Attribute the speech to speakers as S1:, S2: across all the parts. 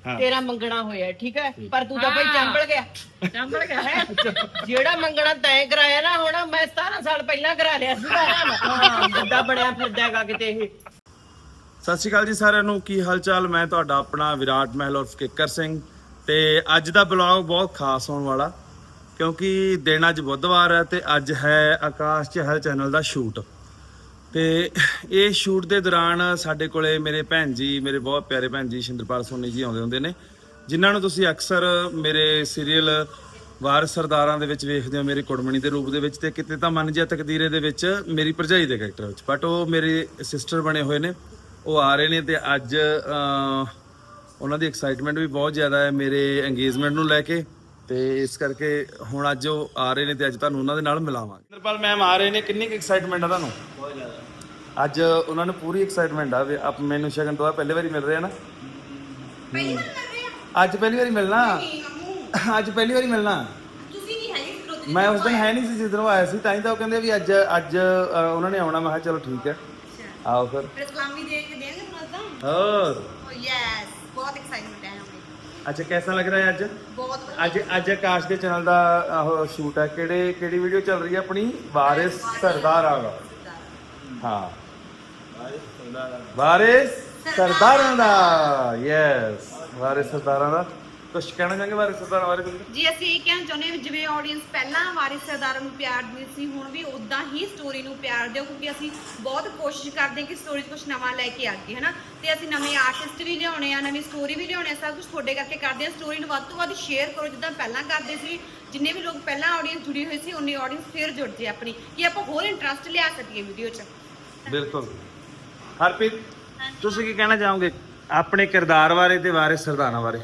S1: ਤੇਰਾ ਮੰਗਣਾ ਹੋਇਆ, ਠੀਕ ਹੈ, ਪਰ ਤੂੰ ਤਾਂ ਭਾਈ ਚੰਬਲ ਗਿਆ ਹੈ। ਜਿਹੜਾ ਮੰਗਣਾ ਤੈਂ ਕਰਾਇਆ ਨਾ, ਹੁਣ ਮੈਂ 17 ਸਾਲ ਪਹਿਲਾਂ ਕਰਾ ਲਿਆ ਸੀ। ਜਿੱਦਾਂ ਬਣਿਆ ਫਿਰਦਾਗਾ ਕਿਤੇ ਇਹ।
S2: ਸਤਿ ਸ਼੍ਰੀ ਅਕਾਲ ਜੀ ਸਾਰਿਆਂ ਨੂੰ, ਕੀ ਹਾਲ ਚਾਲ। ਮੈਂ ਤੁਹਾਡਾ ਆਪਣਾ ਵਿਰਾਟ ਮਹਿਲ ਉਰਫ ਕਿੱਕਰ ਸਿੰਘ, ਤੇ ਅੱਜ ਦਾ ਬਲੌਗ ਬਹੁਤ ਖਾਸ ਹੋਣ ਵਾਲਾ, ਕਿਉਂਕਿ ਦਿਨ ਅੱਜ ਬੁੱਧਵਾਰ ਹੈ ਤੇ ਅੱਜ ਹੈ ਆਕਾਸ਼ ਚਹਿਲ ਚੈਨਲ ਦਾ ਸ਼ੂਟ। ਤੇ ਇਹ ਸ਼ੂਟ ਦੇ ਦੌਰਾਨ ਸਾਡੇ ਕੋਲੇ ਮੇਰੇ ਭੈਣ ਜੀ, ਮੇਰੇ ਬਹੁਤ ਪਿਆਰੇ ਭੈਣ ਜੀ ਸ਼ਿੰਦਰਪਾਲ ਸੋਨੀ ਜੀ ਆਉਂਦੇ ਹੁੰਦੇ ਨੇ, ਜਿਨ੍ਹਾਂ ਨੂੰ ਤੁਸੀਂ ਅਕਸਰ ਮੇਰੇ ਸੀਰੀਅਲ ਵਾਰਿਸ ਸਰਦਾਰਾਂ ਦੇ ਵਿੱਚ ਵੇਖਦੇ ਹੋ, ਮੇਰੀ ਕੁੜਮਣੀ ਦੇ ਰੂਪ ਦੇ ਵਿੱਚ, ਤੇ ਕਿਤੇ ਤਾਂ ਮਨ ਜਿਆ ਤਕਦੀਰੇ ਦੇ ਵਿੱਚ ਮੇਰੀ ਭਰਜਾਈ ਦੇ ਕੈਰੈਕਟਰ ਵਿੱਚ। ਬਟ ਉਹ ਮੇਰੇ ਸਿਸਟਰ ਬਣੇ ਹੋਏ ਨੇ, ਉਹ ਆ ਰਹੇ ਨੇ, ਤੇ ਅੱਜ ਉਹਨਾਂ ਦੀ ਐਕਸਾਈਟਮੈਂਟ ਵੀ ਬਹੁਤ ਜ਼ਿਆਦਾ ਹੈ ਮੇਰੇ ਇੰਗੇਜਮੈਂਟ ਨੂੰ ਲੈ ਕੇ, ਤੇ ਇਸ ਕਰਕੇ ਹੁਣ ਅੱਜ ਉਹ ਆ ਰਹੇ ਨੇ ਤੇ ਅੱਜ ਤੁਹਾਨੂੰ ਉਹਨਾਂ ਦੇ ਨਾਲ ਮਿਲਾਵਾਂਗੇ। ਸ਼ਿੰਦਰਪਾਲ ਮੈਮ ਆ ਰਹੇ ਨੇ, ਕਿੰਨੀ ਕੁ ਐਕਸਾਈਟਮੈਂਟ ਆ ਤੁਹਾਨੂੰ? ਬਹੁਤ ਜ਼ਿਆਦਾ। ਅੱਜ ਉਹਨਾਂ ਨੂੰ ਪੂਰੀ ਐਕਸਾਈਟਮੈਂਟ ਆ ਵੀ ਆਪ ਮੈਨੂੰ ਸ਼ਗਨ ਤੋਂ ਪਹਿਲੀ ਵਾਰੀ ਮਿਲ ਰਹੇ ਆ ਨਾ। ਅੱਜ ਪਹਿਲੀ ਵਾਰੀ ਮਿਲਣਾ, ਅੱਜ ਪਹਿਲੀ ਵਾਰੀ ਮਿਲਣਾ। ਮੈਂ ਉਸ ਦਿਨ ਹੈ ਨਹੀਂ ਸੀ ਜਿਸ ਦਿਨ ਉਹ ਆਇਆ ਸੀ, ਤਾਂ ਹੀ ਤਾਂ ਉਹ ਕਹਿੰਦੇ ਵੀ ਅੱਜ ਉਹਨਾਂ ਨੇ ਆਉਣਾ। ਮੈਂ ਕਿਹਾ ਚਲੋ ਠੀਕ ਹੈ, आओ फिर।
S3: सलामी देंगे तुरंत।
S2: और
S3: यस, बहुत एक्साइटमेंट है हमें।
S2: अच्छा, कैसा लग रहा है आज?
S3: बहुत
S2: ਅੱਜ ਆਕਾਸ਼ ਦੇ ਚੈਨਲ ਦਾ ਉਹ ਸ਼ੂਟ ਹੈ। ਕਿਹੜੀ ਵੀਡੀਓ ਚੱਲ ਰਹੀ ਹੈ ਆਪਣੀ? ਵਾਰਿਸ ਸਰਦਾਰਾਂ ਦਾ। ਹਾਂ, ਵਾਰਿਸ ਸਰਦਾਰਾਂ ਦਾ। ਯੈਸ, ਵਾਰਿਸ ਸਰਦਾਰਾਂ ਦਾ। ਕੁਛ ਕਹਿਣਾ ਚਾਹਾਂਗੇ ਵਾਰਿਸ ਸਰਦਾਰਾਂ ਬਾਰੇ?
S3: ਜੀ ਅਸੀਂ ਇਹ ਕਹਿਣਾ ਚਾਹੁੰਦੇ ਹਾਂ, ਜਿਵੇਂ ਆਡੀਅנס ਪਹਿਲਾਂ ਵਾਰਿਸ ਸਰਦਾਰਾਂ ਨੂੰ ਪਿਆਰ ਦਿੰਦੀ ਸੀ, ਹੁਣ ਵੀ ਉਦਾਂ ਹੀ ਸਟੋਰੀ ਨੂੰ ਪਿਆਰ ਦਿਓ, ਕਿਉਂਕਿ ਅਸੀਂ ਬਹੁਤ ਕੋਸ਼ਿਸ਼ ਕਰਦੇ ਹਾਂ ਕਿ ਸਟੋਰੀ 'ਚ ਕੁਝ ਨਵਾਂ ਲੈ ਕੇ ਆਈਏ, ਹੈ ਨਾ। ਤੇ ਅਸੀਂ ਨਵੇਂ ਆਰਟਿਸਟ ਵੀ ਲਿਆਉਣੇ ਆ, ਨਵੀਂ ਸਟੋਰੀ ਵੀ ਲਿਆਉਣੇ ਆ, ਸਭ ਕੁਝ ਤੁਹਾਡੇ ਕਰਕੇ ਕਰਦੇ ਹਾਂ। ਸਟੋਰੀ ਨੂੰ ਵੱਧ ਤੋਂ ਵੱਧ ਸ਼ੇਅਰ ਕਰੋ, ਜਿੱਦਾਂ ਪਹਿਲਾਂ ਕਰਦੇ ਸੀ। ਜਿੰਨੇ ਵੀ ਲੋਕ ਪਹਿਲਾਂ ਆਡੀਅנס ਜੁੜੀ ਹੋਈ ਸੀ, ਉਨੀ ਆਡੀਅנס ਫਿਰ ਜੁੜ ਜੇ ਆਪਣੀ, ਕਿ ਆਪਾਂ ਹੋਰ ਇੰਟਰਸਟ ਲਿਆ ਸਕੀਏ ਵੀਡੀਓ 'ਚ।
S2: ਬਿਲਕੁਲ। ਹਰਪ੍ਰੀਤ, ਤੁਸੀਂ ਕੀ ਕਹਿਣਾ ਚਾਹੋਗੇ ਆਪਣੇ ਕਿਰਦਾਰ ਬਾਰੇ ਤੇ ਵਾਰਿਸ ਸਰਦਾਰਾਂ ਬਾਰੇ?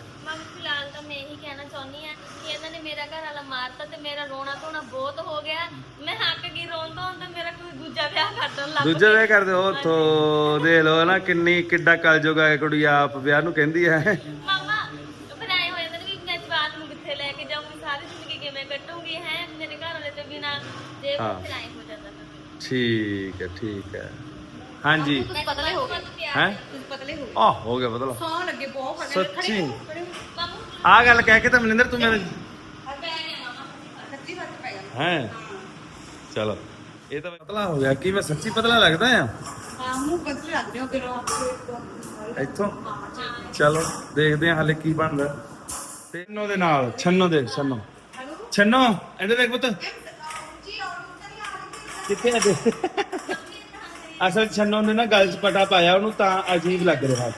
S4: ਮਾਰਤਾ ਤੇ ਮੇਰਾ ਰੋਣਾ ਧੋਣਾ ਬਹੁਤ ਹੋ ਗਿਆ। ਮੈਂ ਹੱਕ ਗਈ ਰੋਣ ਤੋਂ, ਤੇ ਮੇਰਾ ਕੋਈ ਦੂਜਾ ਵਿਆਹ ਕਰਨ ਲੱਗ ਪਿਆ।
S2: ਦੂਜਾ ਵਿਆਹ ਕਰਦੇ ਹੋ? ਉੱਥੋਂ ਦੇਖ ਲਓ ਨਾ, ਕਿੱਡਾ ਕਲਯੁਗ ਹੈ। ਕੁੜੀ ਆਪ ਵਿਆਹ ਨੂੰ ਕਹਿੰਦੀ ਹੈ।
S4: ਮਾਮਾ ਫਿਰ ਆਏ ਹੋ ਜਾਂਦੇ ਨੇ ਵੀ ਮੈਂ ਜਵਾਕ ਨੂੰ ਕਿੱਥੇ ਲੈ ਕੇ ਜਾਊਂਗੀ, ਸਾਰੀ ਜ਼ਿੰਦਗੀ ਕਿਵੇਂ ਕੱਟੂੰਗੀ, ਹੈ ਮੇਰੇ ਘਰ ਵਾਲੇ ਤੇ ਬਿਨਾ। ਤੇ ਫਿਰ ਆਏ ਹੋ ਜਾਂਦਾ।
S2: ਠੀਕ ਹੈ, ਠੀਕ ਹੈ। ਹਾਂਜੀ,
S3: ਪਤਲੇ ਹੋ ਗਏ
S2: ਹੈ?
S3: ਪਤਲੇ ਹੋ ਗਏ।
S2: ਆਹ ਹੋ ਗਿਆ ਬਦਲਾ।
S3: ਸੌ ਲੱਗੇ ਬਹੁਤ ਫਟੇ
S2: ਸੱਚੀ
S4: ਮਾਮੂ
S2: ਆਹ ਗੱਲ ਕਹਿ ਕੇ ਤਾਂ ਮਨਿੰਦਰ ਤੂੰ ਮੇਰੇ
S3: ਸੱਚੀ ਫਰਕ ਪੈ ਗਿਆ।
S2: ਹੈ। ਚਲੋ, ਇਹ ਤਾਂ ਪਤਲਾ ਹੋ ਗਿਆ। ਕੀ ਮੈਂ ਸੱਚੀ ਪਤਲਾ ਲੱਗਦਾ ਆ?
S3: ਹਾਂ, ਮੂੰਹ ਪਤਲੇ ਲੱਗਦੇ ਹੋ ਕਿਲੋ
S2: ਇੱਥੋਂ। ਚਲੋ ਦੇਖਦੇ ਹਾਂ ਹਾਲੇ ਕੀ ਬਣਦਾ। ਤੈਨੂੰ ਦੇ ਨਾਲ ਛੰਨੋ ਦੇ, ਛੰਨੋ ਇਹਦੇ ਦੇਖ ਪੁੱਤ ਕਿੱਥੇ ਆ। ਅਸਲ ਛੰਨੋ ਨੇ ਨਾ ਗਲ 'ਚ ਪਟਾ ਪਾਇਆ, ਉਹਨੂੰ ਤਾਂ ਅਜੀਬ ਲੱਗ ਰਿਹਾ।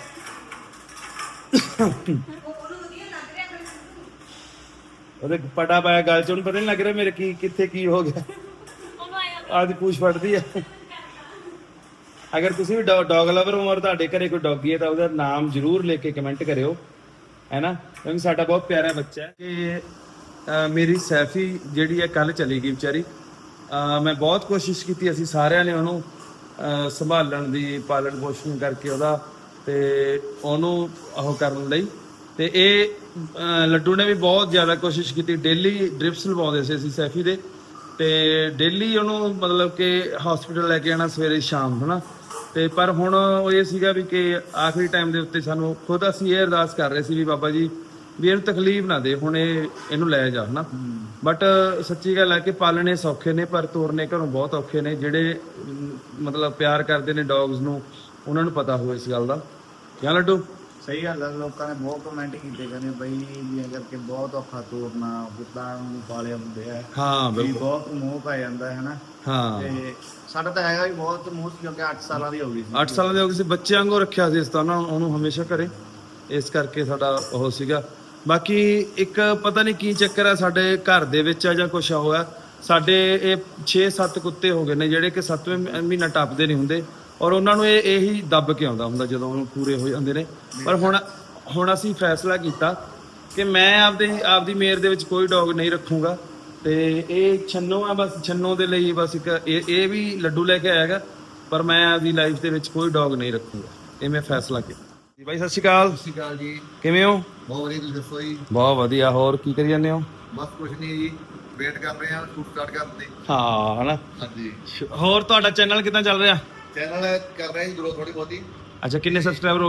S2: ਉਹਦੇ ਪਟਾ ਪਾਇਆ ਗਲ 'ਚ, ਉਹਨੂੰ ਪਤਾ ਨਹੀਂ ਲੱਗ ਰਿਹਾ ਮੇਰੇ ਕਿੱਥੇ ਕੀ ਹੋ ਗਿਆ।
S4: ਉਹਨੂੰ ਆਇਆ
S2: ਆਦੀ ਪੂਛ ਫੜਦੀ ਆ। ਅਗਰ ਤੁਸੀਂ ਵੀ ਡੌਗ ਲਵਰ ਹੋ ਔਰ ਤੁਹਾਡੇ ਘਰੇ ਕੋਈ ਡੌਗੀ ਹੈ ਤਾਂ ਉਹਦਾ ਨਾਮ ਜ਼ਰੂਰ ਲਿਖ ਕੇ ਕਮੈਂਟ ਕਰਿਓ, ਹੈ ਨਾ, ਕਿਉਂਕਿ ਸਾਡਾ ਬਹੁਤ ਪਿਆਰਾ ਬੱਚਾ ਹੈ। ਕਿ ਮੇਰੀ ਸੈਫੀ ਜਿਹੜੀ ਹੈ ਕੱਲ ਚਲੀ ਗਈ ਵਿਚਾਰੀ। ਮੈਂ ਬਹੁਤ ਕੋਸ਼ਿਸ਼ ਕੀਤੀ, ਅਸੀਂ ਸਾਰਿਆਂ ਨੇ ਉਹਨੂੰ ਸੰਭਾਲਣ ਦੀ, ਪਾਲਣ ਪੋਸ਼ਣ ਕਰਕੇ ਉਹਦਾ, ਤੇ ਉਹਨੂੰ ਉਹ ਕਰਨ ਲਈ। ਤੇ ਇਹ ਲੱਡੂ ਨੇ ਵੀ ਬਹੁਤ ਜ਼ਿਆਦਾ ਕੋਸ਼ਿਸ਼ ਕੀਤੀ। ਡੇਲੀ ਡ੍ਰਿਪਸ ਲਵਾਉਂਦੇ ਸੀ ਅਸੀਂ ਸੈਫੀ ਦੇ, ਤੇ ਡੇਲੀ ਉਹਨੂੰ ਮਤਲਬ ਕਿ ਹਸਪੀਟਲ ਲੈ ਕੇ ਆਉਣਾ ਸਵੇਰੇ ਸ਼ਾਮ, ਹੈ ਨਾ। ਤੇ ਪਰ ਹੁਣ ਉਹ ਇਹ ਸੀਗਾ ਵੀ ਕਿ ਆਖਰੀ ਟਾਈਮ ਦੇ ਉੱਤੇ ਸਾਨੂੰ ਖੁਦ ਅਸੀਂ ਇਹ ਅਰਦਾਸ ਕਰ ਰਹੇ ਸੀ ਵੀ ਬਾਬਾ ਜੀ ਵੀ ਇਹਨੂੰ ਤਕਲੀਫ ਨਾ ਦੇ, ਹੁਣ ਇਹਨੂੰ ਲੈ ਜਾ, ਹੈ ਨਾ। ਬਟ ਸੱਚੀ ਗੱਲ ਹੈ ਕਿ ਪਾਲਣੇ ਸੌਖੇ ਨੇ ਪਰ ਤੋਰਨੇ ਘਰੋਂ ਬਹੁਤ ਔਖੇ ਨੇ। ਜਿਹੜੇ ਮਤਲਬ ਪਿਆਰ ਕਰਦੇ ਨੇ ਡੌਗਸ ਨੂੰ, ਉਹਨਾਂ ਨੂੰ ਪਤਾ ਹੋਵੇ ਇਸ ਗੱਲ ਦਾ। ਕਿਆ ਲੱਡੂ?
S5: ਸਹੀ ਗੱਲ ਹੈ। ਲੋਕਾਂ ਨੇ ਬਹੁਤ ਕਮੈਂਟ ਕੀਤੇ, ਕਹਿੰਦੇ ਬਈ ਵੀ ਕਰਕੇ ਬਹੁਤ ਔਖਾ ਤੋਰਨਾ, ਕੁੱਤਾ ਨੂੰ ਪਾਲਿਆ ਹੁੰਦੇ ਆ।
S2: ਹਾਂ
S5: ਵੀ
S2: ਬਿਲਕੁਲ।
S5: ਬਹੁਤ ਮੋਹ ਪੈ ਜਾਂਦਾ ਹੈ ਨਾ।
S2: ਹਾਂ,
S5: ਤੇ ਸਾਡਾ ਤਾਂ ਹੈਗਾ ਵੀ ਬਹੁਤ ਮੋਹ ਸੀ, ਕਿਉਂਕਿ 8 ਸਾਲਾਂ ਦੀ ਹੋ ਗਈ ਸੀ।
S2: 8 ਸਾਲਾਂ ਦੇ ਹੋ ਗਏ ਸੀ, ਬੱਚੇ ਵਾਂਗੂ ਰੱਖਿਆ ਸੀ ਇਸ ਤਰ੍ਹਾਂ ਉਹਨੂੰ ਹਮੇਸ਼ਾ ਘਰੇ, ਇਸ ਕਰਕੇ ਸਾਡਾ ਉਹ ਸੀਗਾ। ਬਾਕੀ ਇੱਕ ਪਤਾ ਨਹੀਂ ਕੀ ਚੱਕਰ ਹੈ ਸਾਡੇ ਘਰ ਦੇ ਵਿੱਚ ਆ ਜਾਂ ਕੁਛ ਹੋਇਆ। ਸਾਡੇ ਇਹ 6-7 ਕੁੱਤੇ ਹੋ ਗਏ ਨੇ ਜਿਹੜੇ ਕਿ 7ਵੇਂ ਮਹੀਨਾ ਟੱਪਦੇ ਨਹੀਂ ਹੁੰਦੇ, ਔਰ ਉਹਨਾਂ ਨੂੰ ਇਹੀ ਦੱਬ ਕੇ ਆਉਂਦਾ ਹੁੰਦਾ ਜਦੋਂ ਉਹ ਪੂਰੇ ਹੋ ਜਾਂਦੇ ਨੇ। ਪਰ ਹੁਣ ਅਸੀਂ ਫੈਸਲਾ ਕੀਤਾ ਕਿ ਮੈਂ ਆਪਦੀ ਮੇਰ ਦੇ ਵਿੱਚ ਕੋਈ ਡੌਗ ਨਹੀਂ ਰੱਖੂੰਗਾ, ਤੇ ਇਹ ਛੰਨੋ ਆ, ਬਸ ਛੰਨੋ ਦੇ ਲਈ ਬਸ ਇੱਕ ਇਹ ਵੀ ਲੱਡੂ ਲੈ ਕੇ ਆਏਗਾ, ਪਰ ਮੈਂ ਆਪਦੀ ਲਾਈਫ ਦੇ ਵਿੱਚ ਕੋਈ ਡੌਗ ਨਹੀਂ ਰੱਖੂੰਗਾ। ਇਹ ਮੈਂ ਫੈਸਲਾ ਕੀਤਾ ਜੀ। ਬਾਈ ਸਤਿ ਸ਼੍ਰੀ ਅਕਾਲ।
S5: ਸਤਿ ਸ਼੍ਰੀ ਅਕਾਲ ਜੀ।
S2: ਕਿਵੇਂ ਹੋ?
S5: ਬਹੁਤ ਵਧੀਆ, ਤੁਸੀਂ ਦੱਸੋ ਜੀ?
S2: ਬਹੁਤ ਵਧੀਆ। ਹੋਰ ਕੀ ਕਰੀ ਜਾਂਦੇ ਹੋ?
S5: ਬਸ ਕੁਝ ਨਹੀਂ ਜੀ, ਵੇਟ ਕਰ ਰਹੇ ਹਾਂ ਸ਼ੂਟ ਸਟਾਰਟ ਕਰਨ ਦੀ।
S2: ਹਾਂ, ਹਨਾ।
S5: ਹਾਂਜੀ।
S2: ਹੋਰ ਤੁਹਾਡਾ ਚੈਨਲ ਕਿੱਦਾਂ ਚੱਲ ਰਿਹਾ?
S5: ਚੈਨਲ ਕਰ ਰਹੇ ਜੀ ਗਰੋ ਥੋੜੀ ਬਹੁਤੀ।
S2: ਅੱਛਾ, ਕਿੰਨੇ ਸਬਸਕ੍ਰਾਈਬਰ ਹੋ ਗਏ?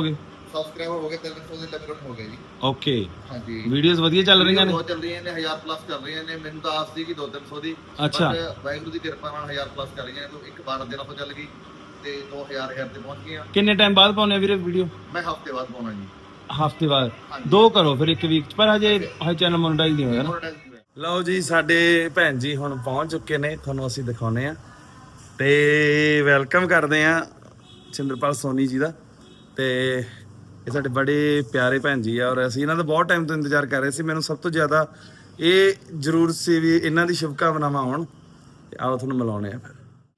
S6: ਸਬਸਕ੍ਰਾਈਬਰ ਹੋ ਗਏ 300 ਦੇ ਲਗਭਗ ਹੋ ਗਏ ਜੀ।
S2: ਓਕੇ
S6: ਹਾਂਜੀ
S2: ਵੀਡੀਓਜ਼ ਵਧੀਆ ਚੱਲ ਰਹੀਆਂ ਨੇ।
S6: ਬਹੁਤ ਚੱਲ ਰਹੀਆਂ ਨੇ 1000 ਪਲੱਸ ਕਰ ਰਹੀਆਂ ਨੇ। ਮੈਨੂੰ ਤਾਂ ਆਸ ਸੀ ਕਿ 200-300 ਦੀ,
S2: ਅੱਛਾ।
S6: ਵਾਹਿਗੁਰੂ ਦੀ ਕਿਰਪਾ ਨਾਲ 1000 ਪਲੱਸ ਕਰ ਰਹੀਆਂ ਨੇ। ਤੋਂ ਇੱਕ 12 ਦਿਨਾਂ ਤੋਂ ਚੱਲ ਗਈ ਤੇ 2000 ਤੇ ਪਹੁੰਚ ਗਈਆਂ।
S2: ਕਿੰਨੇ ਟਾਈਮ ਬਾਅਦ ਪਾਉਣੇ ਵੀਰੇ ਵੀਡੀਓ?
S6: ਮੈਂ ਹਫਤੇ ਬਾਅਦ ਪਾਉਣਾ ਜੀ।
S2: ਹਫਤੇ ਬਾਅਦ 2 ਕਰੋ ਫਿਰ ਇੱਕ ਵੀਕ ਚ, ਪਰ ਹਜੇ ਚੈਨਲ ਮੋਨੇਟਾਈਜ਼ ਨਹੀਂ ਹੋਇਆ ਨਾ। ਲਓ ਜੀ ਸਾਡੇ ਭੈਣ ਜੀ ਹੁਣ ਪਹੁੰਚ ਚੁੱਕੇ ਨੇ, ਤੁਹਾਨੂੰ ਅਸੀਂ ਦਿਖਾਉਨੇ ਆ ਤੇ ਵੈਲਕਮ ਕਰਦੇ ਆ ਸਿੰਦਰਪਾਲ ਸੋਨੀ ਜੀ ਦਾ। ਤੇ ਇਹ ਸਾਡੇ ਬੜੇ ਪਿਆਰੇ ਭੈਣ ਜੀ ਆ ਔਰ ਅਸੀਂ ਇਹਨਾਂ ਦਾ ਬਹੁਤ ਟਾਈਮ ਤੋਂ ਇੰਤਜ਼ਾਰ ਕਰ ਰਹੇ ਸੀ। ਮੈਨੂੰ ਸਭ ਤੋਂ ਜ਼ਿਆਦਾ ਇਹ ਜ਼ਰੂਰ ਸੀ ਵੀ ਇਹਨਾਂ ਦੀ ਸ਼ੁਭਕਾਮਨਾਵਾਂ ਹੋਣ ਤੇ ਆਓ ਤੁਹਾਨੂੰ ਮਿਲਾਉਣੇ ਆ ਫਿਰ।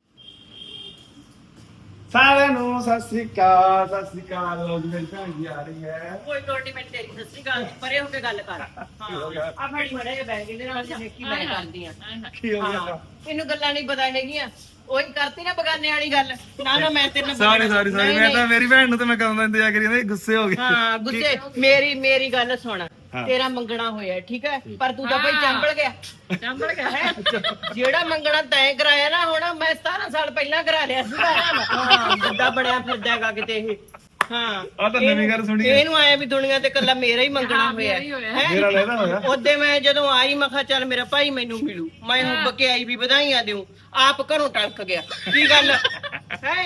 S2: ਸਾਰਿਆਂ ਨੂੰ ਸਤਿ ਸ੍ਰੀ ਅਕਾਲ। ਸਤਿ ਸ੍ਰੀ ਅਕਾਲ। ਲਓ ਜੀ ਮੇਰੀ ਭੈਣ ਜੀ ਆ ਰਹੀ ਹੈ।
S1: ਕੋਈ ਲੋੜ ਨਹੀਂ ਮੈਂ ਤੇਰੀ ਸਤਿ ਸ੍ਰੀ ਅਕਾਲ ਪਰੇ ਹੋ ਕੇ ਗੱਲ ਕਰ। ਆ ਫੜੀ ਮੜੇ ਜੇ ਬੈਗ ਇਹਦੇ ਨਾਲ ਦੇਖੀ ਮੈਂ ਕਰਦੀ ਆ।
S2: ਕੀ ਹੋ ਗਿਆ?
S1: ਇਹਨੂੰ ਗੱਲਾਂ ਨਹੀਂ ਪਤਾ ਹੈਗੀਆਂ। ਉਹੀ ਕਰਤੀ ਨਾ ਬਗਾਨੇ ਵਾਲੀ ਗੱਲ। ਨਾ ਮੈਂ ਤੇਰੇ ਨਾਲ
S2: ਸੌਰੀ
S1: ਨਹੀਂ,
S2: ਮੈਂ ਤਾਂ ਮੇਰੀ ਭੈਣ ਨੂੰ ਤੇ ਮੈਂ ਕਦੋਂ ਦਾ ਇੰਤਜ਼ਾਰ ਕਰੀ ਜਾਂਦਾ, ਇਹ ਗੁੱਸੇ ਹੋ ਗਏ।
S1: ਹਾਂ ਗੁੱਸੇ। ਮੇਰੀ ਗੱਲ ਸੁਣ। ਤੇਰਾ ਮੰਗਣਾ ਹੋਇਆ ਠੀਕ ਹੈ, ਪਰ ਤੂੰ ਤਾਂ ਭਾਈ ਚੰਬਲ ਗਿਆ ਹੈ। ਜਿਹੜਾ ਮੰਗਣਾ ਤੈਂ ਕਰਾਇਆ ਨਾ, ਹੁਣ ਮੈਂ 17 ਸਾਲ ਪਹਿਲਾਂ ਕਰਾ ਲਿਆ ਸੀਗਾ। ਹਾਂ ਜਿੱਦਾਂ ਬਣਿਆ ਫਿਰਦਾਗਾ ਕਿਤੇ ਇਹ। ਹਾਂ
S2: ਆਹ ਤਾਂ ਨਵੀਂ ਗੱਲ ਸੁਣੀ ਹੈ।
S1: ਇਹਨੂੰ ਆਇਆ ਵੀ ਦੁਨੀਆ ਤੇ ਕੱਲਾ ਮੇਰਾ ਹੀ ਮੰਗਣਾ ਹੋਇਆ ਹੈ।
S2: ਮੇਰਾ ਲੈਦਾ ਹੋਇਆ।
S1: ਉਹਦੇ ਮੈਂ ਜਦੋਂ ਆਈ ਮੈਂ ਕਿਹਾ ਚੱਲ ਮੇਰਾ ਭਾਈ ਮੈਨੂੰ ਮਿਲੂ, ਮੈਂ ਹੁੱਬ ਕੇ ਆਈ ਵੀ ਵਧਾਈਆਂ ਦਿਉ, ਆਪ ਘਰੋਂ ਟਲਕ ਗਿਆ। ਕੀ ਗੱਲ ਹੈ?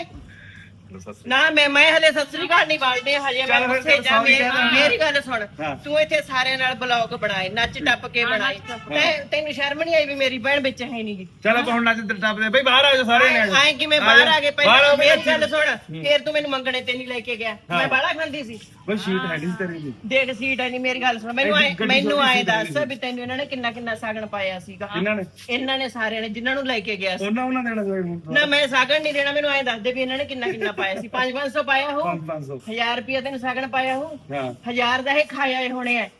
S1: ਨਾ ਮੈਂ ਹਲੇ ਸਤਿ ਸ੍ਰੀ ਅਕਾਲ ਨਹੀਂ ਬਾਲਦੇ ਹਜੇ। ਮੈਂ ਉੱਥੇ ਜਾ। ਮੇਰੀ ਗੱਲ ਸੁਣ, ਤੂੰ ਇੱਥੇ ਸਾਰਿਆਂ ਨਾਲ ਬਲੌਗ ਬਣਾਏ, ਨੱਚ ਟੱਪ ਕੇ ਬਣਾਏ, ਤੈਨੂੰ ਸ਼ਰਮ ਨਹੀਂ ਆਈ ਵੀ ਮੇਰੀ ਭੈਣ ਵਿੱਚ ਹੈ ਨੀ?
S2: ਚਲ ਆਪਾਂ ਹੁਣ ਨੱਚ ਟੱਪਦੇ ਬਈ, ਬਾਹਰ ਆ ਜਾਓ ਸਾਰੇ ਜਣੇ।
S1: ਐਂ ਕਿਵੇਂ ਬਾਹਰ ਆ ਗਏ? ਪਹਿਲਾਂ ਮੇਰੀ ਗੱਲ ਸੁਣ, ਫੇਰ ਤੂੰ ਮੈਨੂੰ ਮੰਗਣੇ ਤੇ ਨਹੀਂ ਲੈ ਕੇ ਗਿਆ। ਮੈਂ ਬਾਹਲਾ ਖਾਂਦੀ ਸੀ।
S2: ਬਈ ਸ਼ੀਟ ਹੈਗੀ ਤੇਰੀ ਦੀ।
S1: ਦੇਖ ਸੀਟ ਹੈ ਨਹੀਂ। ਮੇਰੀ ਗੱਲ ਸੁਣ, ਮੈਨੂੰ ਆਏ ਦੱਸ ਵੀ ਤੈਨੂੰ ਇਹਨਾਂ ਨੇ ਕਿੰਨਾ ਸਾਗਣ ਪਾਇਆ ਸੀਗਾ? ਇਹਨਾਂ ਨੇ ਸਾਰਿਆਂ ਨੇ ਜਿਨ੍ਹਾਂ ਨੂੰ ਲੈ ਕੇ ਗਿਆ ਸੀ।
S2: ਉਹਨਾਂ ਦੇਣਾ
S1: ਨਾ ਮੈਂ ਸਾਗਣ ਨਹੀਂ ਦੇਣਾ। ਮੈਨੂੰ ਐਂ ਦੱਸ ਦੇ ਵੀ ਇਹਨਾਂ ਨੇ ਕਿੰਨਾ ਪਾਇਆ ਸੀ? 500 ਪਾਇਆ ਹੋ? 1000 ਰੁਪਇਆ ਤੈਨੂੰ ਸਾਗਣ ਪਾਇਆ ਹੋ? 1000 ਦਾ ਇਹ ਖਾਇਆ ਹੋਣੇ ਆ।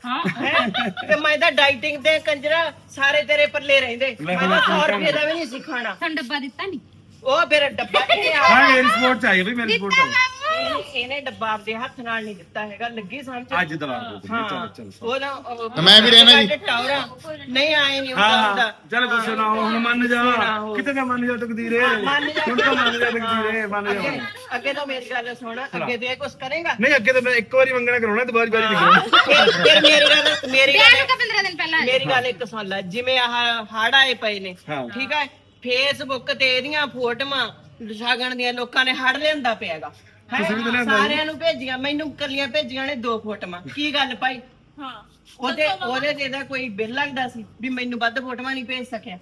S1: ਤੇ ਮੈਂ ਤਾਂ ਡਾਈਟਿੰਗ ਤੇ ਕੰਜਰਾ ਸਾਰੇ ਤੇਰੇ ਪੱਲੇ ਰਹਿੰਦੇ। ਮੈਂ ਤਾਂ 100 ਰੁਪਏ ਦਾ ਵੀ ਨਹੀਂ ਸੀ ਖਾਣਾ।
S3: ਤੁਹਾਨੂੰ ਡੱਬਾ ਦਿੱਤਾ ਨਹੀਂ?
S1: ਉਹ ਫਿਰ ਡੱਬਾ
S2: ਹਾਂ ਮੇਰੀ ਸਪੋਰਟ ਚਾਹੀਏ ਬਈ, ਮੇਰੀ ਸਪੋਰਟ ਚਾਹੀਏ।
S1: ਇਹਨੇ ਡੱਬਾ ਆਪਦੇ ਹੱਥ ਨਾਲ ਨਹੀਂ ਦਿੱਤਾ ਹੈਗਾ। ਲੱਗੀ ਸਮਝ?
S2: ਅੱਜ ਦਵਾ ਦੋ ਚਲ
S1: ਉਹ ਨਾ
S6: ਮੈਂ ਵੀ ਰਹਿਣਾ ਜੀ।
S1: ਟੌਰਾ ਨਹੀਂ ਆਏ ਨਹੀਂ
S2: ਹਾਂ
S1: ਹੁੰਦਾ।
S2: ਚਲ ਗੁੱਸੇ ਨਾ ਹੋ, ਹੁਣ ਮੰਨ ਜਾ। ਕਿਤੇ ਨਾ ਮੰਨ ਜਾ ਤਕਦੀਰੇ, ਹੁਣ ਤਾਂ ਮੰਨ ਜਾ ਤਕਦੀਰੇ, ਮੰਨ ਜਾ।
S1: ਅੱਗੇ ਤਾਂ ਮੇਰੀ ਗੱਲ ਸੁਣ, ਅੱਗੇ ਤੇ ਇਹ ਕੁਛ ਕਰੇਗਾ
S2: ਨਹੀਂ? ਅੱਗੇ ਤਾਂ ਮੈਂ ਇੱਕ ਵਾਰੀ ਮੰਗਣਾ ਕਰਾਉਣਾ, ਦੁਬਾਰੀ ਵਾਰੀ ਨਹੀਂ ਕਰਾਉਣਾ।
S1: ਫਿਰ ਮੇਰੀ ਗੱਲ
S3: 15 ਦਿਨ ਪਹਿਲਾਂ
S1: ਮੇਰੀ ਗੱਲ ਇੱਕ ਸੁਣ ਲੈ। ਜਿਵੇਂ ਆਹ ਹੜ ਆਏ ਪਏ ਨੇ ਠੀਕ ਹੈ, ਫੇਸਬੁੱਕ ਤੇ ਇਹਦੀਆਂ ਫੋਟੋਆਂ ਸਾਗਣ ਦੀਆਂ ਲੋਕਾਂ ਨੇ ਹੜ ਲਿਆਂਦਾ ਪਿਆਗਾ। ਸਾਰਿਆਂ ਨੂੰ ਭੇਜੀਆਂ, ਮੈਨੂੰ ਕੱਲੀਆਂ ਭੇਜੀਆਂ ਨੇ 2 ਫੋਟੋਆਂ। ਕੀ ਗੱਲ ਭਾਈ?
S4: ਹਾਂ
S1: ਉਹਦੇ ਤੇ ਇਹਦਾ ਕੋਈ ਬਿੱਲ ਲੱਗਦਾ ਸੀ ਵੀ ਮੈਨੂੰ ਵੱਧ ਫੋਟੋਆਂ ਨਹੀਂ ਭੇਜ ਸਕਿਆ?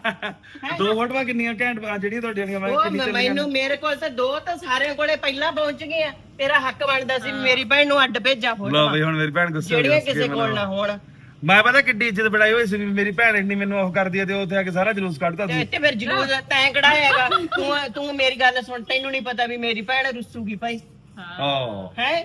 S2: 2 ਫੋਟੋਆਂ ਕਿੰਨੀਆਂ ਘੈਂਟ ਜਿਹੜੀਆਂ ਤੁਹਾਡੀਆਂ
S1: ਮੈਨੂੰ ਮੇਰੇ ਕੋਲ ਤਾਂ 2 ਤਾਂ ਸਾਰਿਆਂ ਕੋਲੇ ਪਹਿਲਾਂ ਪਹੁੰਚ ਗਈਆਂ। ਤੇਰਾ ਹੱਕ ਬਣਦਾ ਸੀ ਮੇਰੀ ਭੈਣ ਨੂੰ ਅੱਡ ਭੇਜਾਂ
S2: ਲਓ
S1: ਫੋਟੋਆਂ,
S2: ਬਈ ਹੁਣ ਮੇਰੀ ਭੈਣ ਗੁੱਸੇ ਹੋ ਗਈ।
S1: ਜਿਹੜੀਆਂ ਕਿਸੇ ਕੋਲ ਨਾ ਹੋਣ।
S2: ਮੈਂ ਪਤਾ ਕਿੱਡੀ ਇੱਜ਼ਤ ਬਣਾਈ ਹੋਈ ਸੀ, ਮੇਰੀ ਭੈਣ ਇੰਨੀ ਮੈਨੂੰ ਉਹ ਕਰਦੀ ਹੈ ਤੇ ਉੱਥੇ ਆ ਕੇ ਸਾਰਾ ਜਲੂਸ ਕੱਢਦਾ ਸੀ।
S1: ਤੇ ਫਿਰ ਜਲੂਸ ਤੈਂ ਕਢਾਇਆਗਾ। ਤੂੰ ਮੇਰੀ ਗੱਲ ਸੁਣ, ਤੈਨੂੰ ਨਹੀਂ ਪਤਾ ਵੀ ਮੇਰੀ ਭੈਣ ਰੁੱਸੂਗੀ ਭਾਈ?
S2: ਹਾਂ
S1: ਹੈ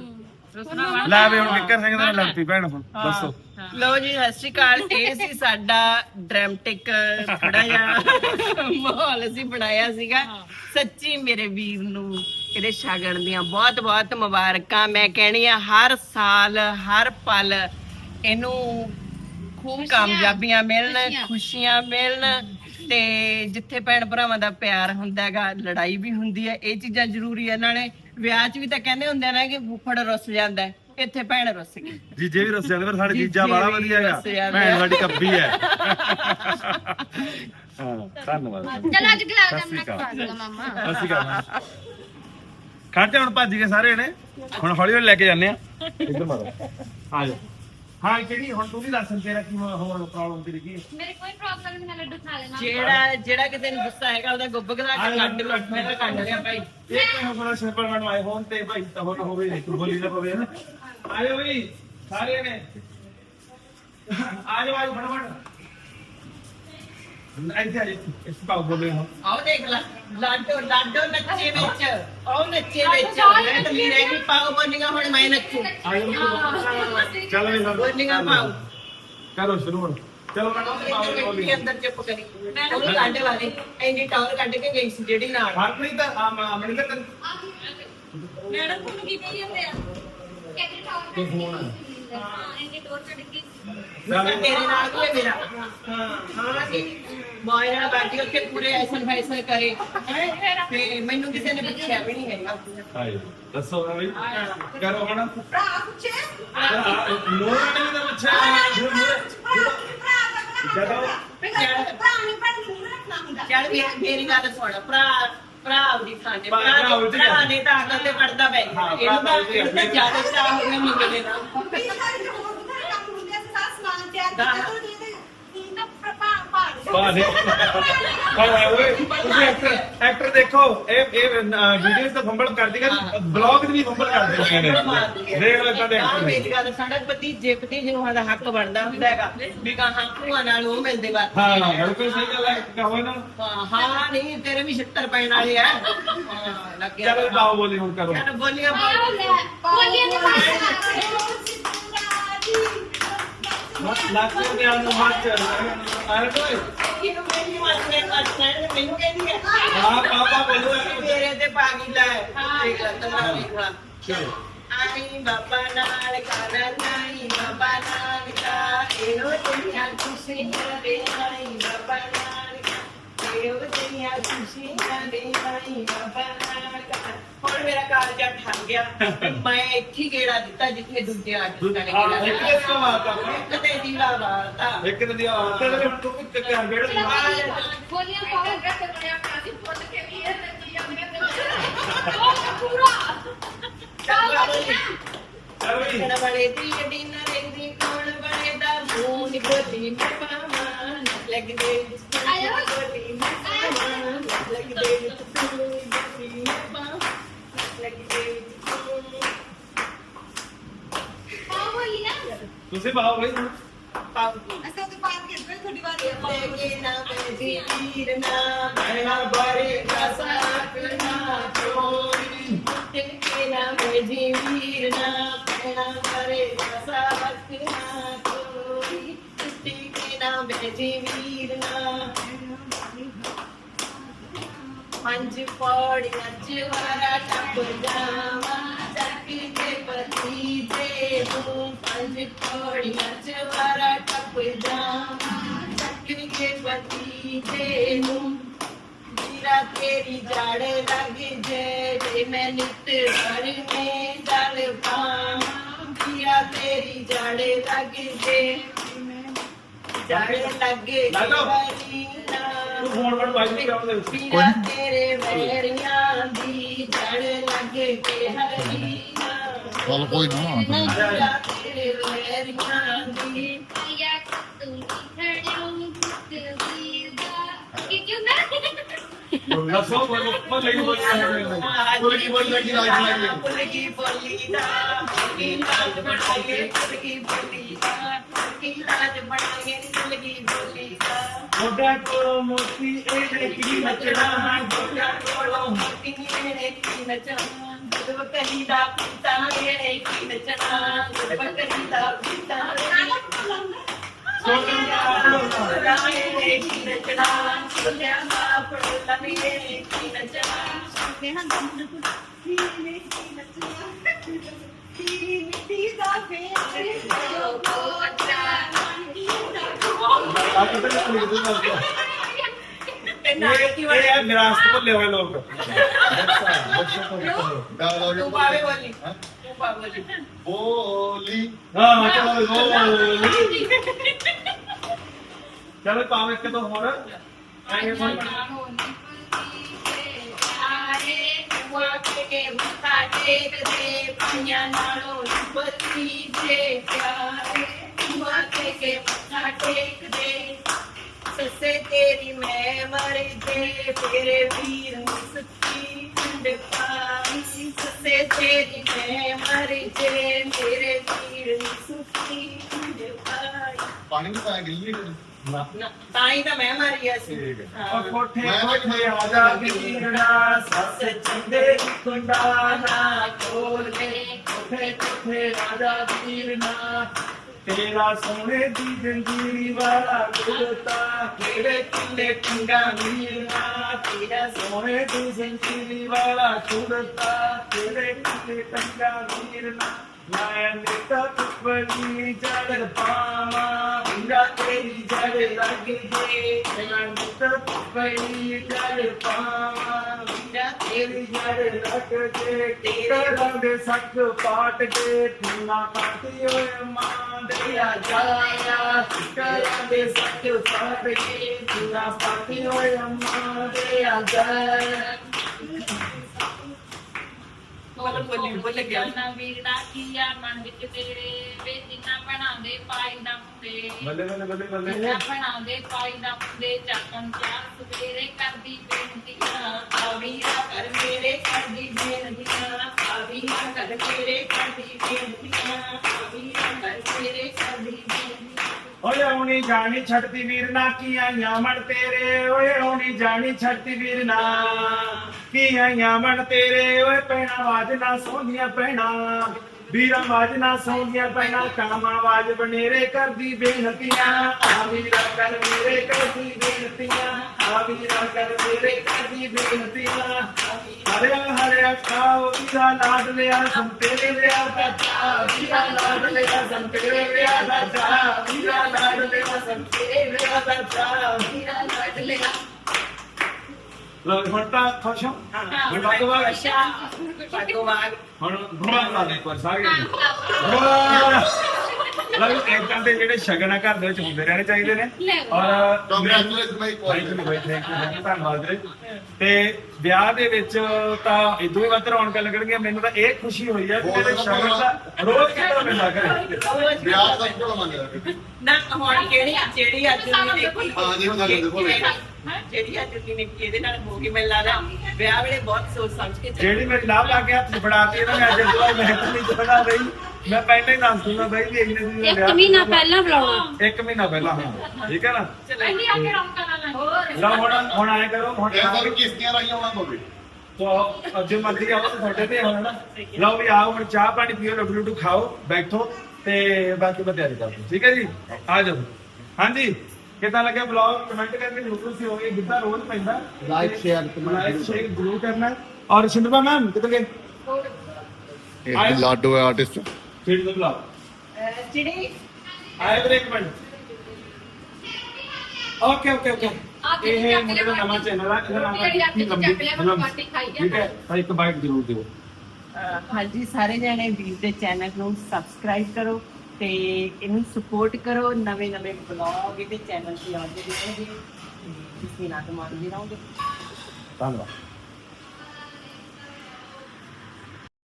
S2: ਲੈ ਵੇ ਹੁਣ ਕਿੱਕਰ ਸਿੰਘ ਦਾ ਲੜਤੀ ਭੈਣ। ਹੁਣ ਦੱਸੋ।
S1: ਲਓ ਜੀ ਸਤਿ ਸ਼੍ਰੀ ਅਕਾਲ। ਇਹ ਸੀ ਸਾਡਾ ਡਰਾਮਟਿਕ ਥੋੜਾ ਜਿਹਾ ਮਾਹੌਲ ਅਸੀਂ ਬਣਾਇਆ ਸੀਗਾ। ਸੱਚੀ ਮੇਰੇ ਵੀਰ ਨੂੰ ਇਹਦੇ ਸ਼ਗਨ ਦੀਆਂ ਬਹੁਤ ਬਹੁਤ ਮੁਬਾਰਕਾਂ। ਮੈਂ ਕਹਿਣੀ ਆ ਹਰ ਸਾਲ ਹਰ ਪਲ ਇਹਨੂੰ ਖੂਬ ਕਾਮਯਾਬੀਆਂ ਮਿਲਣ, ਖੁਸ਼ੀਆਂ ਮਿਲਣ। ਤੇ ਜਿੱਥੇ ਭੈਣ ਭਰਾਵਾਂ ਦਾ ਪਿਆਰ ਹੁੰਦਾ ਹੈਗਾ, ਲੜਾਈ ਵੀ ਹੁੰਦੀ ਹੈ। ਇਹ ਚੀਜ਼ਾਂ ਜ਼ਰੂਰੀ ਹੈ। ਨਾਲੇ ਵਿਆਹ 'ਚ ਵੀ ਤਾਂ ਕਹਿੰਦੇ ਹੁੰਦੇ ਨੇ ਕਿ ਫੁੱਫੜ ਰੁੱਸ ਜਾਂਦਾ, ਇੱਥੇ ਭੈਣ ਰੁੱਸ ਗਈ।
S2: ਜੀਜੇ ਵੀ ਰੁੱਸ ਜਾਂਦੇ, ਪਰ ਸਾਡੇ ਜੀਜਾ ਵਾਲਾ ਵਧੀਆ ਹੈਗਾ, ਭੈਣ ਸਾਡੀ ਕੱਬੀ ਹੈ। ਹਾਂ ਧੰਨਵਾਦ।
S3: ਚਲ ਅੱਜ ਗੁਲਾਬ ਜਾਮੁਨ ਖਵਾ ਦੂੰਗਾ ਮਾਮਾ।
S2: ਅਸੀਂ ਕਰਾਂਗੇ ਖਾਤੇ। ਹੁਣ ਭੱਜ ਗਏ ਸਾਰੇ ਨੇ, ਹੁਣ ਹੌਲੀ ਹੌਲੀ ਲੈ ਕੇ ਜਾਂਦੇ ਆ। ਇੱਧਰ ਮਾਰੋ ਆ ਜਾ। ਹਾਂ ਕਿਹੜੀ ਹੁਣ ਤੂੰ ਵੀ ਦੱਸ ਤੇਰਾ ਕੀ ਹੋਰ ਪ੍ਰੋਬਲਮ ਤੇਰੀ ਕੀ?
S3: ਮੇਰੇ ਕੋਈ ਪ੍ਰੋਬਲਮ ਨਹੀਂ, ਮੈਂ ਲੱਡੂ ਖਾ ਲੈਣਾ।
S1: ਜਿਹੜਾ ਕਿਸੇ ਨੂੰ ਗੁੱਸਾ ਹੈਗਾ ਉਹਦਾ ਗੁੱਬ ਗਲਾ ਕੇ ਕੱਢ ਲੋ। ਮੈਂ ਤਾਂ ਕੱਢ ਲਿਆ ਭਾਈ।
S2: ਇਹ ਕੋਈ ਬੜਾ ਸਿੰਪਲ ਬਣਵਾ ਆਏ ਹੋਣ ਤੇ ਭਾਈ ਤਾਂ ਹੋਵੇ ਤੂੰ ਬੋਲੀ ਨਾ ਪਵੇ ਨਾ। ਆਇਓ ਬਈ ਸਾਰੇ ਨੇ ਆ ਜਾਓ ਫਟਾਫਟ। ਇੱਥੇ ਆ ਜੀ ਇਸ ਪਾਉ ਬੋਲੇ ਹਾਂ।
S1: ਆਓ ਦੇਖ ਲੈ ਲਾਡੋ ਨੱਚੇ ਵਿੱਚ, ਉਹ ਨੱਚੇ ਵਿੱਚ। ਮੈਂ ਤਾਂ ਮੇਰੇ ਵੀ ਪਾਉ ਬੋਲੀਆਂ, ਹੁਣ ਮੈਂ ਨੱਚੂ।
S2: ਚਲੋ ਵੀ ਸਭ
S1: ਬੋਲੀਆਂ ਪਾਉ
S2: ਕਰੋ ਸ਼ੁਰੂ ਹੁਣ। ਚਲੋ ਮੈਂ
S1: ਬੋਲੀ ਅੰਦਰ ਚੁੱਪ ਕਰੀ। ਉਹ ਕਾਂਡੇ ਵਾਲੀ ਐਂਡੀ ਟਾਵਰ ਕੱਢ ਕੇ ਗਈ ਸੀ ਜਿਹੜੀ ਨਾਲ।
S2: ਹਰਪ੍ਰੀਤ ਅਮਨ ਦਾ
S4: ਮੈਡਮ ਤੁਹਾਨੂੰ ਕੀ ਕਹੀ ਜਾਂਦੇ ਆ?
S2: ਤੇ ਫੋਨ
S4: ਇੰਨੀ ਟੋਰ ਚੜ ਗਈ
S1: ਤੇਰੇ ਨਾਲ ਵੀ ਹੈ ਮੇਰਾ ਹਾਂ ਜੀ ਮੋਏ ਨਾਲ ਬੈਠੀ ਉੱਥੇ ਪੂਰੇ ਐਸਨ ਫੈਸਨ ਕਰੇ ਹੈਂ? ਤੇ ਮੈਨੂੰ ਕਿਸੇ ਨੇ ਪੁੱਛਿਆ ਵੀ ਨਹੀਂ ਹੈਗਾ
S2: ਹਾਏ ਦੱਸੋ ਨਾ ਬਈ ਕਰੋ ਹੁਣ
S3: ਭਰਾ ਪੁੱਛੇ
S2: ਨੂਰ ਨੇ ਵੀ ਤਾਂ ਪੁੱਛਿਆ ਜਦੋਂ
S3: ਭਰਾ ਨਹੀਂ ਪੜ੍ਹਨੀ ਨਹੀਂ ਰੱਖਣਾ ਹੁੰਦਾ
S1: ਚੱਲ ਮੇਰੀ ਗੱਲ ਸੁਣ ਭਰਾ ਆਪਦੀ ਥਾਂ ਤੇ
S2: ਭਰਾ
S1: ਭਰਾ ਨੇ ਤਾਂ ਅਕਲ ਤੇ ਪੜਦਾ ਪੈ ਗਿਆ ਇਹਨੂੰ ਤਾਂ ਜ਼ਿਆਦਾ ਚਾਹ ਹੋ ਗਿਆ ਮੁੰਡੇ ਦਾ
S3: ਵੀ ਸਾਰੇ ਹੋਰ ਬਥੇਰੇ ਕੰਮ ਹੁੰਦੇ ਆ ਸਾਰਾ ਸਮਾਨ ਤਿਆਰ ਕੀਤਾ ਤੂੰ ਤਾਂ
S2: ਬਾਨੇ ਓਏ ਤੁਸੀਂ ਐਕਟਰ ਦੇਖੋ ਇਹ ਵੀਡੀਓਜ਼ ਤਾਂ ਫੰਬਲ ਕਰਦੀ ਕਰ ਬਲੌਗ ਵੀ ਫੰਬਲ ਕਰਦੇ ਨੇ ਦੇਖ ਲੈ ਤਾਂ
S1: ਹਾਂ ਮੇਰੀ ਗੱਲ ਸਾਡਾ ਭਤੀਜੇ ਨੂੰ ਦਾ ਹੱਕ ਬਣਦਾ ਹੁੰਦਾ ਹੈਗਾ ਵੀ ਕਹਾਂ ਭੂਆ ਨਾਲ ਉਹ ਮਿਲਦੇ ਬਾਤ
S2: ਹਾਂ ਬਿਲਕੁਲ ਸਹੀ ਗੱਲ ਹੈ ਕਹੋ ਨਾ
S1: ਹਾਂ ਨਹੀਂ ਤੇਰੇ ਵੀ 76 ਪੈਣ ਵਾਲੇ ਆ ਹਾਂ ਲੱਗਿਆ
S2: ਚਲੋ ਬਾਓ ਬੋਲੀ ਹੁਣ ਕਰੋ
S1: ਚੱਲ ਬੋਲੀਆਂ
S4: ਬੋਲੀਆਂ ਦੀ
S2: ਲੱਖ ਦੇ ਨੂੰ ਮੱਚ ਆਰੇ ਕੋਈ
S1: ਇਹਨੂੰ ਮੇਰੀ ਮਾਸਨੇ ਕੱਟਣਾ ਮੈਨੂੰ ਕਹਿੰਦੀ ਹੈ
S2: ਹਾਂ ਪਾਪਾ ਬੋਲੋ
S1: ਮੇਰੇ ਤੇ ਪਾਗੀ ਲੈ ਠੀਕ ਹੈ ਤਨਾ ਲਿਖਾ
S2: ਚਲੋ
S1: ਆਈ ਬਾਬਾ ਨਾਲ ਕਰਾ ਨਹੀਂ ਬਾਬਾ ਨਾਲ ਕਾ ਇਹੋ ਤੇਰੀਆਂ ਖੁਸ਼ੀਆਂ ਦੇ ਆਈ ਬਾਬਾ ਨਾਲ ਕਾ ਇਹੋ ਤੇਰੀਆਂ ਖੁਸ਼ੀਆਂ ਦੇ ਆਈ ਬਾਬਾ ਨਾਲ ਕਾ ਹੁਣ ਮੇਰਾ ਕਾਲਜਾ ਠੱਗ ਗਿਆ ਮੈਂ ਇੱਥੇ ਗੇੜਾ ਦਿੱਤਾ ਜਿੱਥੇ ਦੂਜੇ ਆਰਟਿਸਟ ਨੇ
S2: ਹਾਂ
S1: ਗੇੜਾ
S2: ਇੱਕ
S1: ਦਿੱਤਾ।
S2: ਦੇ ਮਾਰਤਾ
S1: ਇੱਕ ਤੇ ਦੀਵਾ ਵਾਰਤਾ
S2: ਇੱਕ ਤੇ ਆਤੇ ਦੇ ਹੁਣ ਤੂੰ ਕਿ ਕਰ ਗੇੜ
S4: ਬੋਲੀਆਂ ਪਾਉਂ ਗੱਟ ਬਣਿਆ ਕਾਸੀ ਪੁੱਤ ਕੇ ਵੀ ਇਹ ਤੇ ਉਹ ਪੂਰਾ
S2: ਚਲ ਵੀ
S1: ਕਣ ਬੜੇ ਦੀ ਗੱਡੀ ਨਾ ਰਹਿੰਦੀ ਕੌਣ ਬੜੇ ਦਾ ਮੂੰਹ ਨੀ ਗੋਦੀ ਮੈਂ ਪਾਵਾਂ ਲੱਗਦੇ
S4: ਆਇਓ।
S1: ਗੋਦੀ ਮੈਂ ਪਾਵਾਂ ਲੱਗਦੇ ਤੂੰ ਗੋਦੀ ਮੈਂ ਪਾਵਾਂ ਲੱਗਦੇ
S4: ਪਾਉ ਬੋਲੀ ਨਾ
S2: ਤੁਸੀਂ ਬਾਓ ਬਈ
S1: ਪਾਉਂਗੀ
S3: ਅਸਾਂ ਤੇ ਬਾਤ ਕਰਦੇ ਥੋੜੀ ਵਾਰ
S1: ਕੇ ਨਾ ਮੇਰੀ ਵੀਰ ਨਾ ਮੈਂ ਬੜੇ ਦਾ ਸਾਥ ਨਾ ਚੋਰੀ ਕੇ ਨਾ ਮੇਰੀ ਵੀਰ ਨਾ ਮੈਂ ਬੜੇ ਦਾ ਸਾਥ ਨਾ ਚੋਰੀ ਕੇ ਨਾ ਮੇਰੀ ਵੀਰ ਨਾ ਪੰਜ ਪੌੜੀਆਂ ਚਵਾਰਾ ਟੱਪ ਜਾਵਾਂ ਚੱਕ ਕੇ ਪਤੀ ਦੇ ਨੂੰ ਪੰਜ ਪੌੜੀਆਂ ਚਵਾਰਾ ਟੱਪ ਜਾਵਾਂ ਚੱਕ ਕੇ ਪਤੀ ਦੇ ਨੂੰ ਜੀਰਾ ਤੇਰੀ ਜੜ ਲੱਗ ਜੇ ਮੈਂ ਨਿਤ ਭਰ ਮੇ ਜਲ ਪਾਵਾਂ ਜੀਰਾ ਤੇਰੀ ਜੜ ਲੱਗ ਜੇ ਜੜ ਲੱਗੇ
S2: ਤੂੰ ਫੋਨ ਕਰ ਬਾਈ ਕਰਾਉਂ ਦੇ
S1: ਪੀਰਾ ਤੇਰੇ ਵੈਰੀਆਂ ਦੀ ਜੜ ਲੱਗ ਕੇ ਹਰੀਆਂ
S6: ਚੱਲ ਕੋਈ ਨਾ
S1: ਪੀਰਾ ਤੇਰੇ ਵੈਰੀਆਂ ਦੀ
S4: ਆਇਆ ਤੂੰ ਖੜਿਓ ਪੁੱਤ ਵੀਦਾ ਕਿ ਕਿਉਂ ਨਾ
S2: ਦੱਸੋ ਬੋਲੋ ਬੋਲ ਲਈ ਬੋਲ ਬੋਲ ਕੀ ਬੋਲ ਲੱਗੀ
S1: ਪੁਲਕੀ ਬੋਲੀ ਦਾ ਕੀ ਲਾਜ ਬਣਾਈਏ ਪੁਲਕੀ ਬੋਲੀ ਦਾ ਕੀ ਲਾਜ ਬਣਾਈਏ ਪੁਲਕੀ ਬੋਲੀ ਦਾ
S2: ਮੋਢਾ ਕੋਲੋਂ ਮੋਤੀ ਇਹਦੇ ਕੀ ਨੱਚਣਾ
S1: ਗੋਡਾ ਕੋਲੋਂ ਮੋਤੀ ਇਹਨੇ ਕੀ ਨਚਣਾ ਜਦੋਂ ਕਹੀ ਦਾ ਪੀਤਾ ਇਹਨੇ ਕੀ ਨਚਣਾ ਜਦੋਂ ਕਹੀ ਦਾ ਪੀਤਾ ਇਹਨੇ ਕੀ ਨਚਣਾ ਸੁਣਿਆ ਮਾਂ ਪੜੋਲਾ ਇਹਨੇ ਕੀ ਨਚਣਾ
S3: ਨੇਹਾ ਦੰਦ ਕੁਝ ਕੀ ਨਹੀਂ ਨੱਚਿਆ ਕੀ ਮਿੱਟੀ ਦਾ ਫੇਰ ਜੋ ਕੋਟਾ
S2: ਆ ਕਿਤੇ ਨਹੀਂ ਲਿਖ ਦੂੰਗਾ
S1: ਤੇ ਨਾ ਕੀ
S2: ਇਹ
S1: ਵੜਿਆ
S2: ਹੈ ਵਿਰਾਸਤ ਭੁੱਲੇ ਹੋਏ ਲੋਕ
S1: ਤੂੰ ਪਾਵੇ ਬੋਲੀ ਤੂੰ ਪਾਵੇ ਬੋਲੀ
S6: ਬੋਲੀ
S2: ਹਾਂ ਚਲੋ ਬੋਲੀ ਚਲੋ ਪਾਵੇ ਇੱਕ ਤੋਂ ਹੋਰ ਆਏ ਹੁਣ
S1: ਕੇ ਮੱਥਾ ਟੇਕਦੇ ਪੰਜਾਂ ਨਾਲੋਂ ਬੱਤੀ ਜੇ ਪਿਆਰੇ ਮਾਤੇ ਕੇ ਮੱਥਾ ਟੇਕਦੇ ਸੱਸੇ ਤੇਰੀ ਮੈਂ ਮਰ ਜੇ ਤੇਰੇ ਵੀਰ ਮੁਸਕੀ ਖੰਡ ਪਾਈ ਸੱਸੇ ਤੇਰੀ ਮੈਂ ਮਰ ਜੇ ਮੇਰੇ ਵੀਰ ਮੁਸਕੀ ਖੰਡ ਪਾਈ
S6: ਪਾਣੀ ਨਹੀਂ ਪਾਇਆ ਗਿੱਲੀ
S1: ਨਾ ਤਾਂ ਹੀ ਤਾਂ ਮੈਂ ਮਾਰੀ ਸੀ
S2: ਉਹ ਕੋਠੇ ਕੋਠੇ ਆ ਜਾ ਕੇ ਵੀਰਣਾ ਸੱਸ ਚੰਦੇ ਕੁੰਡਾ ਨਾ ਕੋਲੇ ਕੋਠੇ ਕੋਠੇ ਰਾਜਾ ਵੀਰਨਾ ਤੇਰਾ ਸੋਹਣੇ ਦੀ ਜੰਜੀਰੀ ਵਾਲਾ ਗੁਰਤਾ ਕਿਹੜੇ ਕਿੱਲੇ ਟੰਗਾ ਵੀਰਨਾ ਤੇਰਾ ਸੋਹਣੇ ਦੀ ਜੰਜੀਰੀ ਵਾਲਾ ਗੁਰਤਾ ਕਿਹੜੇ ਕਿੱਲੇ ਟੰਗਾ ਵੀਰਨਾ ਮੈਂ ਨਿੱਤ ਬੜੀ ਚੜ ਪਾਵਾਂ ਵੀਰਾ ਤੇਰੀ ਜੜ ਲੱਗ ਜੇ ਮੈਂ ਨਿੱਤ ਬੜੀ ਚੜ ਪਾਵਾਂ ਵੀਰਾ ਤੇਰੀ ਜੜ ਲੱਗ ਜੇ ਤੇਰਾ ਦੇ ਸੱਕ ਪਾਟ ਕੇ ਤੂਨਾ ਪਾਤੀ ਓਏ ਮਾਂ ਦੇ ਆ ਜਾਇਆ ਤੇਰਾ ਦੇ ਸੱਕ ਪਾਟ ਕੇ ਤੂਨਾ ਪਾਤੀ ਓਏ ਮਾਂ ਦੇ ਆ ਜਾਇਆ
S1: ਬੋਲ ਗਿਆ
S7: ਨਾ ਵੀਰਾ ਕੀਆ ਮਨ ਵਿੱਚ ਤੇਰੇ ਵੇ ਜਿੰਨਾ ਬਣਾਉਂਦੇ ਪਾਈ ਦਾ ਮੁੰਡੇ
S2: ਬੱਲੇ ਬੱਲੇ ਬੱਲੇ ਬੱਲੇ
S7: ਜਿੰਨਾ ਬਣਾਉਂਦੇ ਪਾਈ ਦਾ ਮੁੰਡੇ ਚਾਕਣ ਚਾਰ ਸਵੇਰੇ ਕਰਦੀ ਬੇਨਤੀਆਂ
S1: ਆ ਵੀਰਾ ਕਰ ਮੇਰੇ ਕਰਦੀ ਬੇਨਤੀਆਂ ਆ ਵੀਰਾ ਕਰ ਮੇਰੇ ਕਰਦੀ ਬੇਨਤੀਆਂ ਆ ਵੀਰਾ ਕਰ ਮੇਰੇ ਕਰਦੀ ਬੇਨਤੀਆਂ
S2: ਓਏ ਆਉਣੀ ਜਾਣੀ ਛੱਡਦੀ ਵੀਰ ਨਾ ਕੀ ਆਈਆਂ ਮਣ ਤੇਰੇ ਓਏ ਆਉਣੀ ਜਾਣੀ ਛੱਡਦੀ ਵੀਰ ਨਾ ਕੀ ਆਈਆਂ ਮਣ ਤੇਰੇ ਓਏ ਪੈਣਾ ਆਵਾਜ਼ ਨਾ ਸੋਹਣੀਆਂ ਪੈਣਾ ਵੀਰਾਂ ਆਵਾਜ਼ ਨਾ ਸੋਹਣੀਆਂ ਪੈਣਾ ਕਾਮ ਆਵਾਜ਼ ਬਨੇਰੇ ਕਰਦੀ ਬੇਨਤੀਆਂ ਆ ਵੀਰਾ ਕਰ ਮੇਰੇ ਕਰਦੀ ਬੇਨਤੀਆਂ ਆ ਵੀਰਾ ਕਰ ਮੇਰੇ ਕਰਦੀ ਬੇਨਤੀਆਂ ਹਰਿਆ ਹਰਿਆ ਖਾਓ ਵੀਰਾ ਲਾਡ ਲਿਆ ਸੰਤੇਰੇ ਲਿਆ ਬੱਚਾ ਵੀਰਾ ਲਾਡ ਲਿਆ ਸੰਤੇਰੇ ਲਿਆ ਬੱਚਾ ਵੀਰਾ ਲਾਡ ਲਿਆ ਸੰਤੇਰੇ ਲਿਆ ਬੱਚਾ
S1: ਵੀਰਾ ਲੱਡ ਲਿਆ
S2: ਲੋ ਹੁਣ ਤਾਂ ਖੁਸ਼ ਹਾਂ ਹੁਣ ਭਗਵਾਨ
S1: ਭਗਵਾਨ
S2: ਹੁਣ ਭਗਵਾਨ ਲਾ ਦੇ ਪਰ ਸਾਰੇ ਲਓ ਇਦਾਂ ਦੇ ਜਿਹੜੇ ਸ਼ਗਨ ਆ ਘਰ ਦੇ ਵਿੱਚ ਹੁੰਦੇ ਰਹਿਣੇ ਚਾਹੀਦੇ ਨੇ ਔਰ
S6: ਕੰਗ੍ਰੈਚੁਲੇਸ਼ਨ ਮਾਈ
S2: ਥੈਂਕ ਯੂ ਧੰਨਵਾਦ ਵੀਰੇ ਤੇ ਵਿਆਹ ਦੇ ਵਿੱਚ ਤਾਂ ਇਦੋਂ ਵੀ ਵੱਧ ਰੌਣਕਾਂ ਲੱਗਣਗੀਆਂ ਮੈਨੂੰ ਤਾਂ ਇਹ ਖੁਸ਼ੀ ਹੋਈ ਆ ਕਿ ਮੇਰੇ ਸ਼ਗਨ ਦਾ ਰੋਜ਼ ਕਿਤੋਂ ਮਿਲਦਾ ਕਰੇ
S6: ਵਿਆਹ ਦਾ ਕੋਲ ਮੰਗਦਾ
S1: ਨਾ ਹੁਣ ਜਿਹੜੀ ਅੱਜ ਦੀ ਦੇਖੀ
S6: ਹਾਂ ਜੀ, ਉਹ ਸਾਡੇ ਕੋਲ
S1: ਜਿਹੜੀ ਅੱਜ ਦੀ ਨਿੱਕੀ ਇਹਦੇ ਨਾਲ ਹੋ ਗਈ ਮੈਨੂੰ ਲੱਗਦਾ ਵਿਆਹ ਵੇਲੇ ਬਹੁਤ ਸੋਚ ਸਮਝ ਕੇ ਚੱਲੀ।
S2: ਜਿਹੜੀ ਮੇਰੀ ਲਾਭ ਆ ਕੇ ਹੱਥ ਫੜਾਤੀ ਇਹਨਾਂ ਨੇ ਅੱਜ ਤੋਂ ਮੈਂ ਤਾਂ ਨਹੀਂ ਚਾਹਦਾ ਬਈ ਮੈਂ ਪਹਿਲਾਂ ਹੀ ਦੱਸ ਦੂੰਗਾ ਬਈ ਵੀ ਇੰਨੇ ਦਿਨ
S3: ਇੱਕ ਮਹੀਨਾ ਪਹਿਲਾਂ ਬੁਲਾਉਣਾ
S2: 1 ਮਹੀਨਾ ਪਹਿਲਾਂ ਹਾਂ ਠੀਕ ਹੈ ਨਾ
S7: ਇੰਨੀ ਆ ਕੇ ਰੌਣਕਾਂ ਨਾਲ ਹੋਰ
S2: ਲਓ ਹੁਣ ਆਏ ਕਰੋ ਹੁਣ
S6: ਇਹ ਤਾਂ ਕਿਸ਼ਤੀਆਂ ਰਾਹੀਂ ਆਉਣਾ ਪਵੇ
S2: ਤੋ ਅੱਜ ਮਰਜ਼ੀ ਆਓ ਤੇ ਤੁਹਾਡੇ ਤੇ ਹੁਣ ਨਾ ਲਓ ਵੀ ਆਓ ਹੁਣ ਚਾਹ ਪਾਣੀ ਪੀਓ ਲੱਡੂ ਲੱਡੂ ਖਾਓ ਬੈਠੋ ਤੇ ਬਾਕੀ ਮੈਂ ਤਿਆਰੀ ਕਰਦਾ ਠੀਕ ਹੈ ਜੀ ਆ ਜਾਓ ਹਾਂਜੀ ਕਿੱਦਾਂ ਲੱਗਿਆ ਬਲੌਗ ਕਮੈਂਟ ਕਰਕੇ ਜ਼ਰੂਰ ਤੁਸੀਂ ਹੋਗੇ ਜਿੱਦਾਂ ਰੋਜ਼ ਪੈਂਦਾ
S5: ਲਾਈਕ ਸ਼ੇਅਰ
S2: ਲਾਈਕ ਸ਼ੇਅਰ ਜ਼ਰੂਰ ਕਰਨਾ ਹੈ। ਔਰ ਸ਼ਿੰਦਰਪਾ ਮੈਮ ਕਿੱਥੇ ਗਏ
S6: ਇਹ ਲਾਡੋ ਹੈ ਆਰਟਿਸਟ
S2: ਕਿਹੜੀ ਦਾ ਬਲੌਗ
S1: ਜਿਹੜੀ
S2: ਆਏ ਵੀਰੇ ਇੱਕ ਮਿੰਟ ਓਕੇ ਓਕੇ ਓਕੇ ਇਹ ਮੁੰਡੇ ਦਾ ਨਵਾਂ ਚੈਨਲ ਆ ਇਹਦਾ ਨਾਮ ਹੈ ਠੀਕ ਹੈ ਤਾਂ ਇੱਕ ਬਾਈਟ ਜ਼ਰੂਰ ਦਿਓ
S1: ਹਾਂਜੀ ਸਾਰੇ ਜਣੇ ਵੀਰ ਦੇ ਚੈਨਲ ਨੂੰ ਸਬਸਕ੍ਰਾਈਬ ਕਰੋ ਤੇ ਇਹਨੂੰ ਸਪੋਰਟ ਕਰੋ ਨਵੇਂ ਨਵੇਂ ਬਲੌਗ ਇਹਦੇ ਚੈਨਲ ਤੇ ਆਉਂਦੇ ਰਹਿਣਗੇ ਤੇ ਤੁਸੀਂ ਨਾਲ ਮਾਰਦੇ ਰਹੋਗੇ
S2: ਧੰਨਵਾਦ